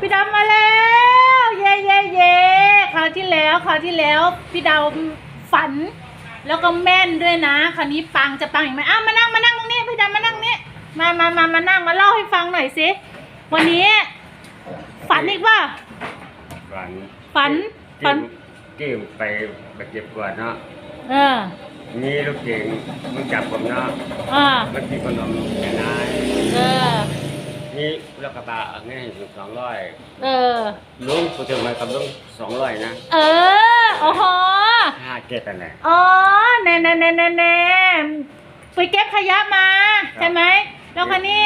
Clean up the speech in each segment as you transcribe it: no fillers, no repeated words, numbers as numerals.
พี่ดำมาแล้วเย่เย่เย่คราวที่แล้วพี่ดาวฝันแล้วก็แม่นด้วยนะคราวนี้ปังจะปังอีกไหมอ้าวมานั่งตรงนี้พี่ดำมานั่งนี่มานั่งมาเล่าให้ฟังหน่อยสิวันนี้ฝันอีกว่าฝันเก่งไปเก็บกวาดเนาะมีลูกเก่งมันจับผมเนาะมันกินขนมแค่นายนี่รถกระบะนี่อยู่200ลุงกูจะมากับลุง200นะโอ้โห 57นั่นแหละแน่ไปเก็บขยะมาใช่ไหมแล้วคันนี้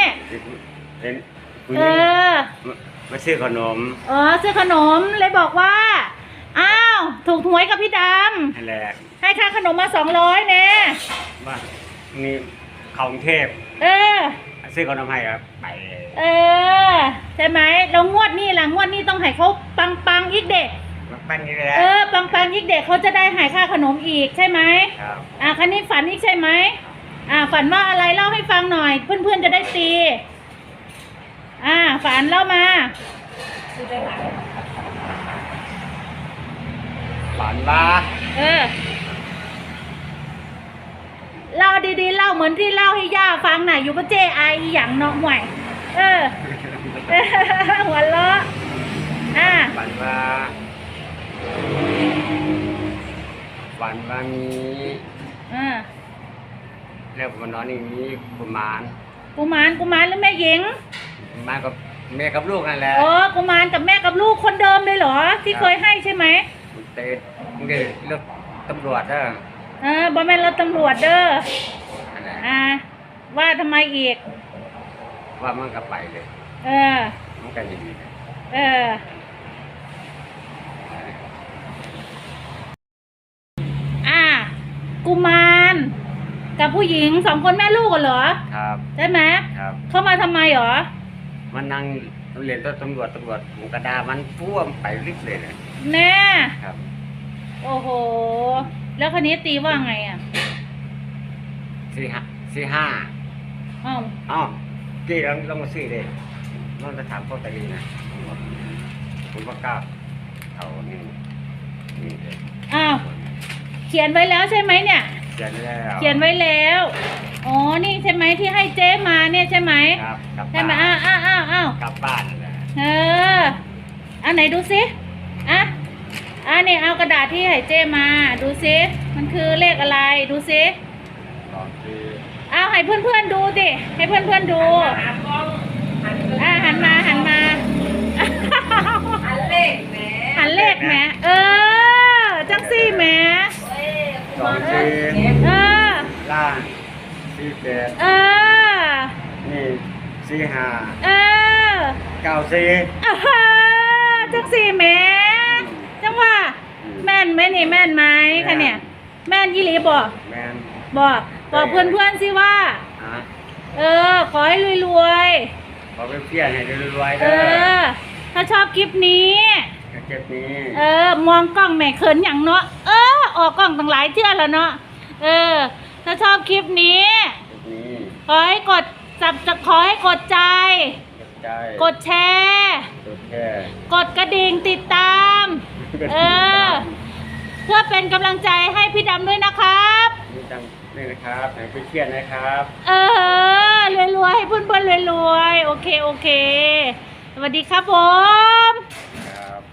มาซื้อขนมซื้อขนมเลยบอกว่าอ้าวถูกหวยกับพี่ดำให้ค่าขนมมา200เนี่ยว่านี่เขากรุงเทพซื้อขนมให้ครับไปใช่ไหมเรางวดนี้ต้องให้เขาปังอีกเด็กปังนี่แหละปังอีกเด็กเขาจะได้หายค่าขนมอีกใช่ไหมครับคันนี้ฝันอีกใช่ไหมฝันว่าอะไรเล่าให้ฟังหน่อยเพื่อนจะได้ตีฝันเล่ามาฝันว่าเล่าดีๆเล่าเหมือนที่เล่าให้ย่าฟังหน่อยอยู่กับเจ๊ไออย่างน้องหวยหัวเราะฝันว่านี้แล้วผมนอนอย่างนี้กุมารหรือแม่หญิงมากับแม่กับลูกนั่นแหละกุมารกับแม่กับลูกคนเดิมเลยเหรอที่เคยให้ใช่ไหมเลือกตำรวจบ่แม่นรถตำรวจเด้อว่าทำไมอีกว่ามันก็ไปเลยมันก็ดีกุมารกับผู้หญิง2คนแม่ลูกกันเหรอครับใช่ไหมครับเข้ามาทำไมเหรอมันนั่งเรียนตำรวจกระดามันพ่วงไปริบเลยแน่ครับโอ้โหแล้วคันนี้ตีว่าไง 45กี่ลองมาซื้อเลยลองจะถามพ่อตาลีนะผมว่ากล้าเอานี่เลยเขียนไว้แล้วใช่ไหมเนี่ยเขียนไว้แล้วนี่ใช่ไหมที่ให้เจ๊มาเนี่ยใช่ไหมครับใช่ไหมกลับบ้านนั่นแหละไหนดูสินี่เอากระดาษที่ให้เจ๊มาดูสิมันคือเลขอะไรดูสิให้เพื่อนดูดิให้เพื่อนดูหันมาหันเลขแหมจังซี่แหมล่าง48นี่4594 จังซี่แหมจังว่าแม่นไหมนี่แม่นไหมคะเนี่ยแม่นยี่หลีบอกเพื่อนสิว่าขอให้รวยขอเป็นเพี้ยนให้รวยถ้าชอบคลิปนี้มองกล้องแม่เขินอย่างเนาะออกกล้องตั้งหลายเทื่อแล้วเนาะถ้าชอบคลิปนี้ขอให้กดใจกดแชร์กดกระดิ่งติดตามเพื่อเป็นกำลังใจให้พี่ดำด้วยนะครับนี่นะครับไหนไปเขียนนะครับรวยให้เพื่อนๆรวยโอเคสวัสดีครับผม